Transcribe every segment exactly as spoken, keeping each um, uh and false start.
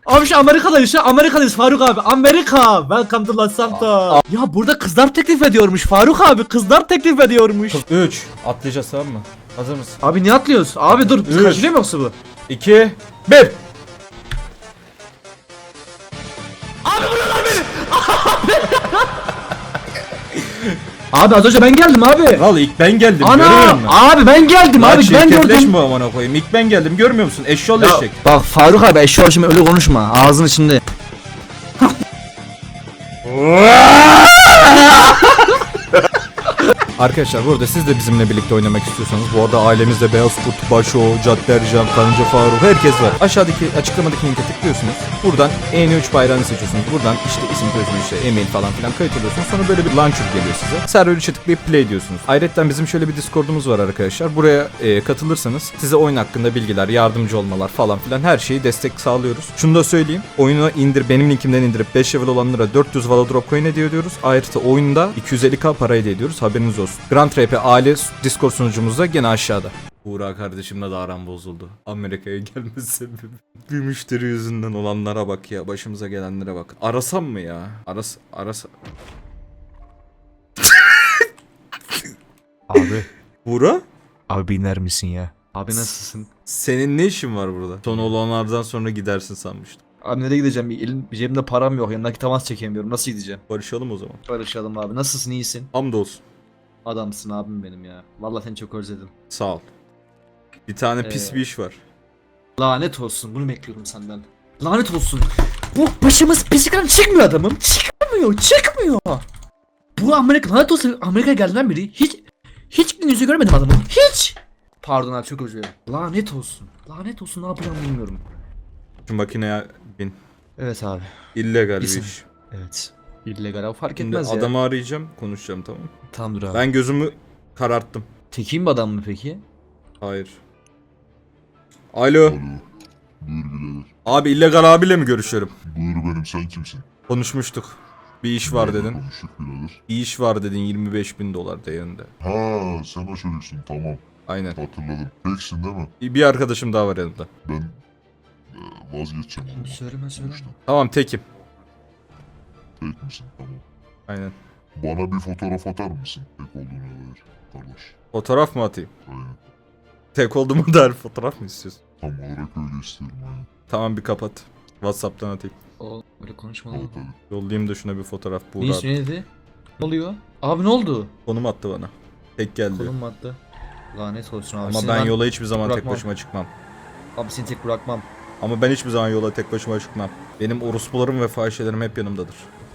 Abi şu Amerika'dayız şu Amerika'dayız Faruk abi. Amerika. Welcome to Los Santos. Ya burada kızlar teklif ediyormuş Faruk abi. Kızlar teklif ediyormuş. üç. Atlayacağız tamam mı? Hazır mısın? Abi niye atlıyoruz? Abi dur. Biz Üç. kaçırıyor mu yoksa bu? iki. bir. Abi az önce ben geldim abi. Al ilk ben geldim görüyor Ana musun? abi ben geldim Lan abi ben gördüm. çirkefleşme amına koyayım. İlk ben geldim görmüyor musun? Eşşol Ya, eşek. bak Faruk abi eşya şimdi öyle konuşma. Ağzın içinde. Arkadaşlar burada siz de bizimle birlikte oynamak istiyorsanız bu arada ailemizde Beyaz Kurt, Başo, Cadde Ercan, Karınca Faruk herkes var. Aşağıdaki açıklamadaki linke tıklıyorsunuz. Buradan E N üç bayrağını seçiyorsunuz. Buradan işte isim soyisim işte e-mail falan filan kayıt alıyorsunuz. Sonra böyle bir launcher geliyor size. Server üçe tıklayıp play diyorsunuz. Ayrıca bizim şöyle bir Discord'umuz var arkadaşlar. Buraya e, katılırsanız size oyun hakkında bilgiler, yardımcı olmalar falan filan her şeyi destek sağlıyoruz. Şunu da söyleyeyim. Oyunu indir benim linkimden indirip beş level olanlara dört yüz Valo Drop Coin hediye ediyoruz. Ayrıca oyunda iki yüz elli K para hediye ediyoruz. Haberiniz olsun. Grand R P aile Discord sunucumuzda gene aşağıda. Buğra kardeşimle de aram bozuldu. Amerika'ya gelme sebebi. Bir müşteri yüzünden olanlara bak ya. Başımıza gelenlere bak. Arasam mı ya? Aras... Aras... Abi. Buğra? Abi biner misin ya? Abi nasılsın? Senin ne işin var burada? Son olanlardan sonra gidersin sanmıştım. Abi nereye gideceğim? Elim, cebimde param yok. Yanındaki temas çekemiyorum. Nasıl gideceğim? Barışalım o zaman. Barışalım abi. Nasılsın? İyisin? Hamdolsun. Adamsın abim benim ya. Vallahi seni çok özledim. Sağ ol. Bir tane pis Ee, bir iş var. Lanet olsun. Bunu bekliyorum senden. Lanet olsun. Bu başımız pisikten çıkmıyor adamım. Çıkmıyor. Çıkmıyor. Bu Amerika lanet olsun. Amerika'ya geldiğinden beri hiç hiç gün yüzü görmedim adamın. Hiç. Pardon abi çok özür dilerim. Lanet olsun. Lanet olsun ne yapacağım bilmiyorum. Şu makineye bin. Evet abi. İllegal bir Bizim- iş. Evet. İllegal abi fark Şimdi etmez ya. adamı arayacağım. Konuşacağım tamam mı? Tamamdır abi. Ben gözümü kararttım. Tekiyim bir adam mı peki? Hayır. Alo. Alo. Buyur birader. Abi illegal abiyle mi görüşüyorum? Buyur benim, sen kimsin? Konuşmuştuk. Bir iş var Nerede dedin. konuştuk birader? Bir iş var dedin yirmi beş bin dolar değerinde. Ha, sen o çocuksun, tamam. Aynen. Hatırladım. Teksin değil mi? Bir arkadaşım daha var yanımda. Ben e, vazgeçeceğim. ondan. Söyleme söyleme. Tamam tekim. Tek misin? Tamam. Aynen. Bana bir fotoğraf atar mısın? Tek olduğuna dair. Kardeş. Fotoğraf mı atayım? Aynen. Tek olduğumu dair fotoğraf mı istiyorsun? Tam olarak öyle istiyorum. Aynen. Tamam bir kapat. Whatsapp'tan atayım. O böyle konuşma Al lan. tabii. Yollayayım da şuna bir fotoğraf. Ne Buğra ismi neydi? Ne oluyor? Abi ne oldu? konum attı bana. Tek geldi. Konum mu attı? Lanet olsun abi. Ama Seni ben yola hiçbir zaman tek bırakmam. başıma çıkmam. Abi seni tek bırakmam. Ama ben hiçbir zaman yola tek başıma çıkmam. Benim orospularım ve fahişelerim hep yanımdadır.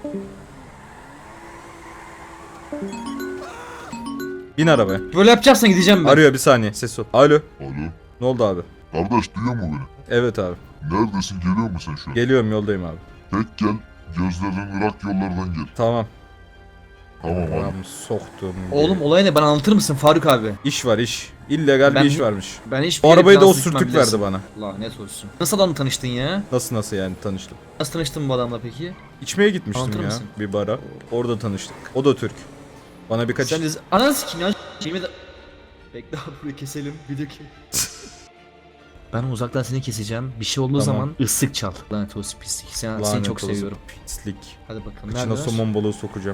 Bin arabaya. Böyle yapacaksan gideceğim ben. Arıyor bir saniye ses ol. Alo. Alo. Ne oldu abi? Kardeş, duyuyor mu beni? Evet abi. Neredesin? Geliyor musun sen şu an? Geliyorum yoldayım abi. Tek gel. Gözlerden ırak yollardan gel. Tamam. Tamam abi. Tamam soktum. Oğlum olay ne? Bana anlatır mısın Faruk abi? İş var iş. İllegal Ben- bir iş varmış. Ben hiç O arabayı da o sürtük verdi bana. Lanet olsun. Nasıl adamla tanıştın ya? Nasıl nasıl yani tanıştık. Nasıl tanıştın bu adamla peki? İçmeye gitmiştim Anlatır ya mısın? bir bara. Orada tanıştık. O da Türk. Bana birkaç... Sen de ananı sikeyim ya. Şeyimi de... Bekle abi burayı keselim. Video kes. Ben uzaktan seni keseceğim. Bir şey olduğu Tamam. zaman ıslık çal. Lanet olsun pislik. Sen, seni Lanet çok olsun, seviyorum. Pislik. Hadi bakalım. İçine Neredeler? somon balığı sokacağım.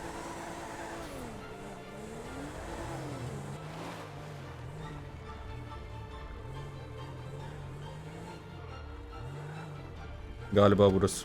Galiba burası.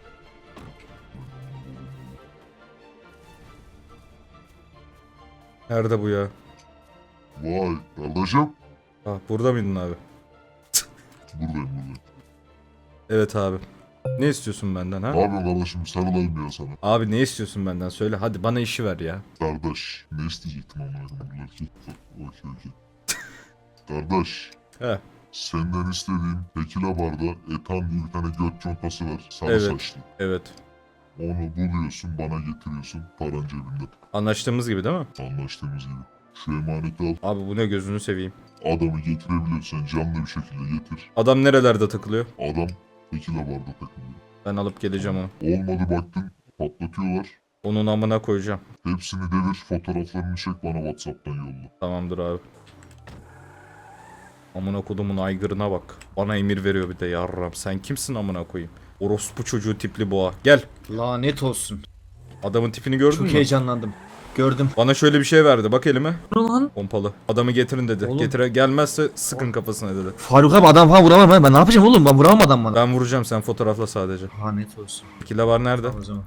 Nerede bu ya? Vay kardeşim. Ah burada mıydın abi? Buradayım buradayım. Evet abi. Ne istiyorsun benden ha? Ne yapıyorsun kardeşim? Sarılayım ya sana. Abi ne istiyorsun benden? Söyle hadi bana işi ver ya. Kardeş. Ne isteyecektin amına koyayım? Okey okey. Kardeş. He. Senden istediğim tekila barda etan diye bir tane göt contası var. Sarı Evet. saçlı. Evet. Onu buluyorsun, bana getiriyorsun. Paran cebinde. Anlaştığımız gibi değil mi? Anlaştığımız gibi. Şu emaneti al. Abi bu ne gözünü seveyim. Adamı getirebiliyorsan canlı bir şekilde getir. Adam nerelerde takılıyor? Adam tekila barda takılıyor. Ben alıp geleceğim onu. Olmadı baktın, patlatıyorlar. Onun amına koyacağım. Hepsini devir, fotoğraflarını çek bana WhatsApp'tan yolla. Tamamdır abi. Amına kodumun aygırına bak. Bana emir veriyor bir de yarram. Sen kimsin amına koyayım? Orospu çocuğu tipli boğa. Gel. Lanet olsun. Adamın tipini gördün Çok mü? heyecanlandım. Gördüm. Bana şöyle bir şey verdi. Bak elime. Ne lan? Pompalı. Adamı getirin dedi. Oğlum. Getire gelmezse sıkın kafasına dedi. Faruk abi adam falan vuramam ben. Ben ne yapacağım oğlum? Ben vuramam adam bana. Ben vuracağım, sen fotoğrafla sadece. Lanet olsun. Tekila var nerede? Tamam o zaman.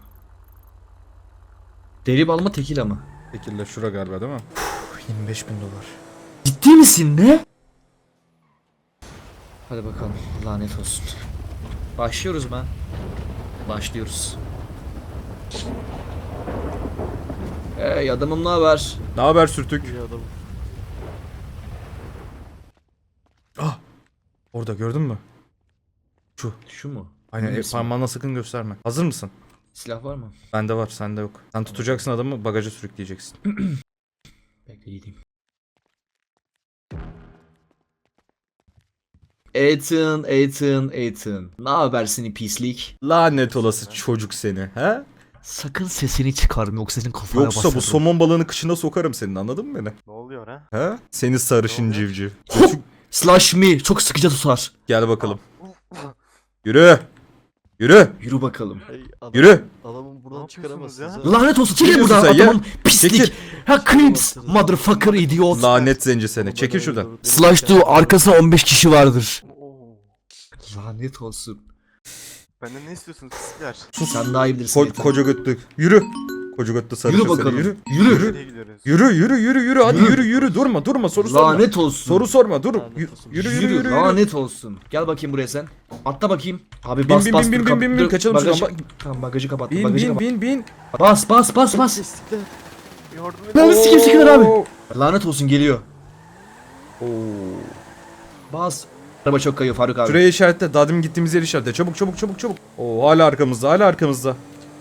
Deri bal mı tekila mı? Tekila şura galiba değil mi? yirmi beş bin dolar. Ciddi misin ne? Hadi bakalım. Lanet olsun. Başlıyoruz ben. Başlıyoruz. Hey adamım ne haber? Ne haber sürtük? Ah! Orada gördün mü? Şu. Şu mu? Aynen, Emin e, misin? parmağına sakın gösterme. Hazır mısın? Silah var mı? Bende var, sende yok. Sen tutacaksın adamı, bagaja sürükleyeceksin. Bekle gideyim. Ethan, Ethan, Ethan. Ne haber seni pislik? Lanet olası çocuk seni, he? Sakın sesini çıkarma yoksa senin kafana Yoksa basarım. bu somon balığını kışına sokarım senin, anladın mı beni? Ne oluyor ha? He? Seni sarışın Ne oluyor? civciv. Slash me çok sıkıca tutar. Gel bakalım. Yürü! Yürü! Yürü bakalım. Hey, adam, Yürü! Adamın Ne şey buradan şey çıkaramazsınız Ya? ha. Lanet olsun çekil diyorsun buradan sen ya? adamın pislik. Çekil. Ha creeps motherfucker idiot. Lanet zenci seni. Çekil şuradan. Slash do arkasında on beş kişi vardır. Oo. Lanet olsun. Benden ne istiyorsunuz pislikler? Sen daha iyi bilirsin. Ko- Ethan. koca götlü. Yürü! Koca götlü sarışın Yürü seni. bakalım. Yürü! Yürü. Nereye gidiyoruz? Yürü yürü yürü yürü hadi Yürü. yürü yürü durma durma soru sorma. Lanet olsun. Soru sorma dur. Lanet Yürü olsun. yürü Yürü, yürü. yürü. lanet olsun. Gel bakayım buraya sen. Atla bakayım. Abi Bin, bas bin, bas. bin, dur, bin, kap- bin, bin, dur, kaçalım bagajı- şuradan. Tamam bagajı kapattım. Bin Bagajı bin kapat. bin bin. Bas bas bas bas. Pislikler. Yardım edin. Ben sikim sikim abi. Oo. Lanet olsun geliyor. Oo. Bas. Araba çok kayıyor Faruk abi. Şuraya işaretle. Daha demin gittiğimiz yeri işaretle. Çabuk çabuk çabuk çabuk. Oo hala arkamızda hala arkamızda.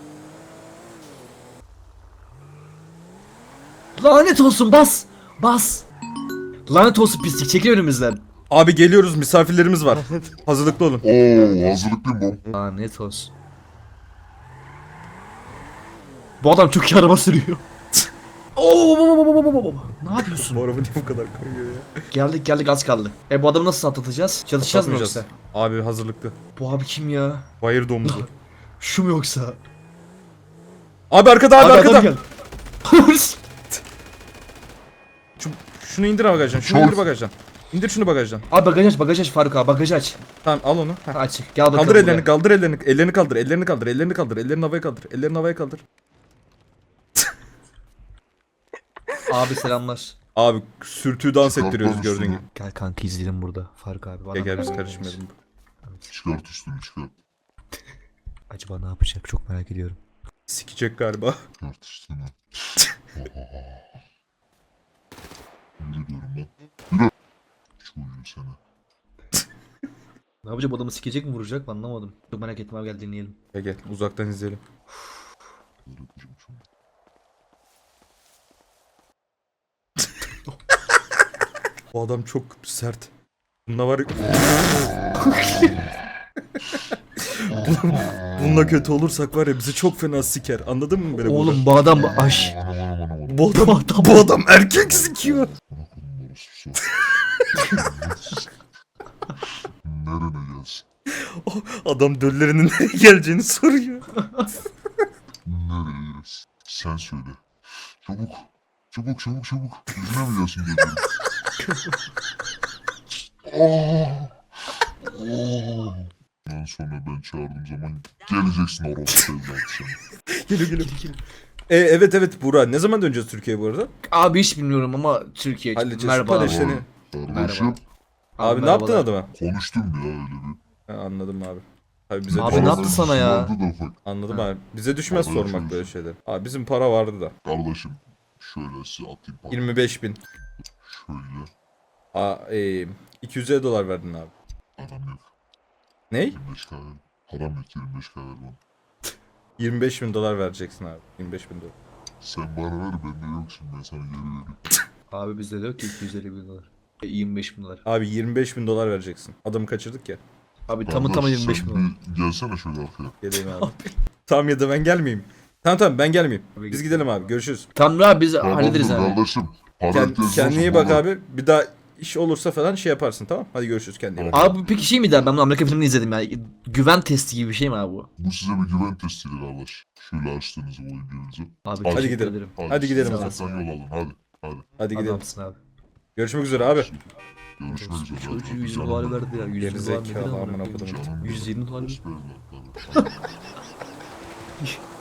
Lanet olsun bas. Bas. Lanet olsun pislik çekil önümüzden. Abi geliyoruz, misafirlerimiz var. Hazırlıklı olun. Oo hazırlıklıyım bom. Lanet olsun. Bu adam çok iyi araba sürüyor. Oo, baba, baba, baba, baba. Ne yapıyorsun? Bu araba niye bu kadar kayıyor ya? Geldik geldik az kaldı. E bu adamı nasıl atlatacağız? Çalışacağız mı Atlatmayacağız. yoksa? Abi hazırlıklı. Bu abi kim ya? Bayır domuzu. Şu mu yoksa? Abi arkada abi, arkada. adam geldi. Şu, şunu indir bagajdan. Şunu Çok- indir bagajdan. İndir şunu bagajdan. Abi bagaj aç bagaj aç Faruk abi bagaj aç. Tamam al onu. Heh. Ha, aç. Gel bakalım. Kaldır ellerini, buraya. kaldır ellerini, ellerini kaldır, ellerini kaldır, ellerini kaldır, ellerini havaya kaldır, ellerini havaya kaldır. Abi selamlar. Abi sürtüğü dans Çıkartma ettiriyoruz gördüğün üstünü. gibi. Gel kanka izleyelim burada Faruk abi. Bana Gel gel biz bak. karışmayalım. Çıkart üstünü çıkart. Acaba ne yapacak çok merak ediyorum. Sikecek galiba. Çıkart üstünü. Yürü diyorum ben. Yürü. Çocuğum seni. Ne yapacak bu adamı sikecek mi vuracak mı anlamadım. Çok merak ettim abi gel dinleyelim. Gel gel uzaktan izleyelim. Böyle yapacağım şimdi. Bu adam çok sert. Bunda var. Bununla kötü olursak var ya bizi çok fena siker. Anladın mı beni? Oğlum bu adam aş. Anam anam anam anam. Bu adam, bu adam erkek sikiyor. Bana kodum orası su. Nerene gelsin? Adam döllerinin nereye geleceğini soruyor. Nereye gelsin? Sen söyle. Çabuk. Çabuk çabuk çabuk. Yüzüne mi gelsin dedim. Oh. Oh. Ondan sonra ben çağırdığım zaman geleceksin orası evlat sen. Geliyor geliyor. E, evet evet Burak. Ne zaman döneceğiz Türkiye'ye bu arada? Abi hiç bilmiyorum ama Türkiye. Halledeceğiz. Merhaba. Süper abi. işte. Seni- Kardeşim Abi ne yaptın merhabalar. adama? konuştum ya öyle bir. Ha, anladım abi. Abi bize Abi düşmez. ne yaptı sana ya? Vardı da ufak. Anladım Ha. abi. Bize düşmez Abi, sormak düşmez. böyle şeyler. Abi bizim para vardı da. Kardeşim şöyle size atayım para. yirmi beş bin. Şöyle. Aa, e, iki yüz elli dolar verdin abi. Adam yok. Ney? yirmi beş kahve. Param yok yirmi beş kahve bana. yirmi beş bin dolar vereceksin abi. yirmi beş bin dolar. Sen bana ver bende yok şimdi ben sana geri vereyim. Abi bizde de yok ki iki yüz elli bin dolar. E, yirmi beş bin dolar. Abi yirmi beş bin dolar vereceksin. Adamı kaçırdık ya. Abi tamı tamı Kardeş, yirmi beş sen bin dolar. bir Gelsene şöyle arkaya. Geleyim abi. Tamam ya da ben gelmeyeyim. Tamam tamam ben gelmeyeyim. Abi Biz git. gidelim abi. Görüşürüz. Tamam abi biz Tamam hallederiz dur abi. kardeşim. Para Kend, ihtiyacın kendine iyi olursa bak bana- abi. Bir daha iş olursa falan şey yaparsın, tamam? Hadi görüşürüz, kendine iyi bak. Abi bu peki şey mi der? Ben bunu Amerika filmini izledim ya. Güven testi gibi bir şey mi abi bu? Bu size bir güven testiydi kardeş. Şöyle açtığınızı bu birbirinize. Abi Hadi teşekkür gidelim. ederim. Hadi gidelim o Uzaktan yol alın hadi. Hadi. Hadi gidelim. Adamsın abi. Görüşmek üzere abi. Görüşmek üzere. Çocuğu Hadi yüz canım dolar benim. verdi ya. yüz Gerizekalı dolar nedir amına amına kodumun. koyayım? Canım yüz yirmi dolar. benim. Dost evlatlarım. Hadi.